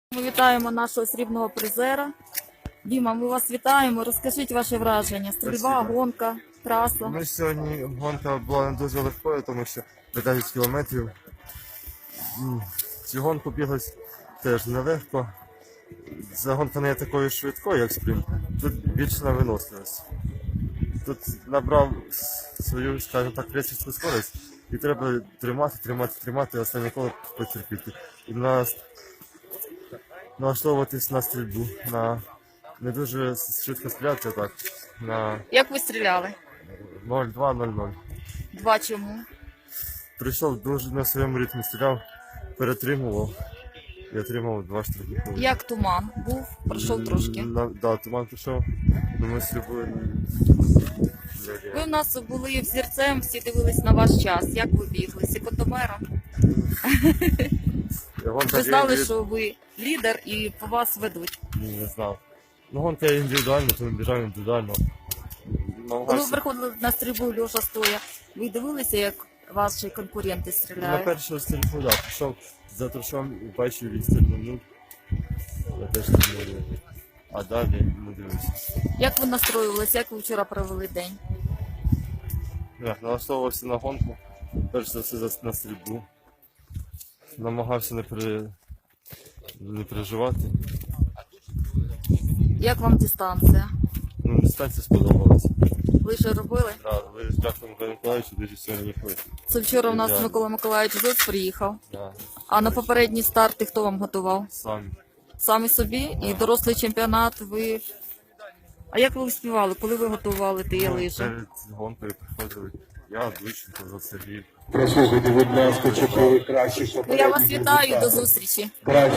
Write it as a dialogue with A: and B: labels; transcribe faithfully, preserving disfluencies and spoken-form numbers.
A: Ми вітаємо нашого срібного призера. Діма, ми вас вітаємо. Розкажіть ваші враження. Стрільба,
B: Спасибо.
A: гонка, траса.
B: Ну, сьогодні гонка була не дуже легкою, тому що п'ятдесят кілометрів. М, Цю гонку біглось теж нелегко. Ця гонка не є такою швидкою, як спринт. Тут більше на виносливість. Тут набрав с- свою, скажімо так, речівську скорість, і треба тримати, тримати, тримати, останнє коло потерпіти. І на... налаштовуватись на стрільбу, на не дуже швидко стріляти, так, на
A: Як ви стріляли?
B: нуль два нуль нуль.
A: Два чому?
B: Прийшов дуже на своєму ритмі, стріляв, перетримував і отримав два штрафні.
A: Як туман? Був? Пройшов трошки.
B: Так, да, туман прийшов, но ми стрільбою.
A: Ви в нас були взірцем, всі дивились на ваш час. Як ви бігли? Секундомером? Ви знали, що ви лідер і по вас ведуть.
B: Ні, не знав. Ну, гонка індивідуальна, тому біжав індивідуально.
A: Коли ви
B: Намагався
A: приходили на стрільбу льоша стоя, ви дивилися, як ваші конкуренти
B: на
A: стріляють?
B: першу стрільбу, да, пішов за трушом і бачив він стрільнув. Я теж не знаю. А далі не дивився.
A: Як ви настроювалися, як ви вчора провели день?
B: Я налаштовувався на гонку, перш за все за- на стрільбу. Намагався не, при... не переживати.
A: Як вам дистанція?
B: Ну, дистанція сподобалася.
A: Ви вже робили?
B: Да, ви з Дяком Миколаївичу дуже сьогодні їхали.
A: Це вчора у нас
B: Ідеально.
A: Микола Миколаївич Зоц приїхав.
B: Да,
A: А на попередні старти хто вам готував?
B: самі.
A: Самі собі? І дорослий чемпіонат ви. А як ви успівали? Коли ви готували ті
B: Ну,
A: лижі?
B: перед гонкою приходили. Я, Двіченко, за Сергій.
C: Прослухайте, будь ласка, чотири кращих
A: Ну, я вас
C: попередніх
A: вітаю, до
C: результатів.
A: зустрічі.
C: Кращі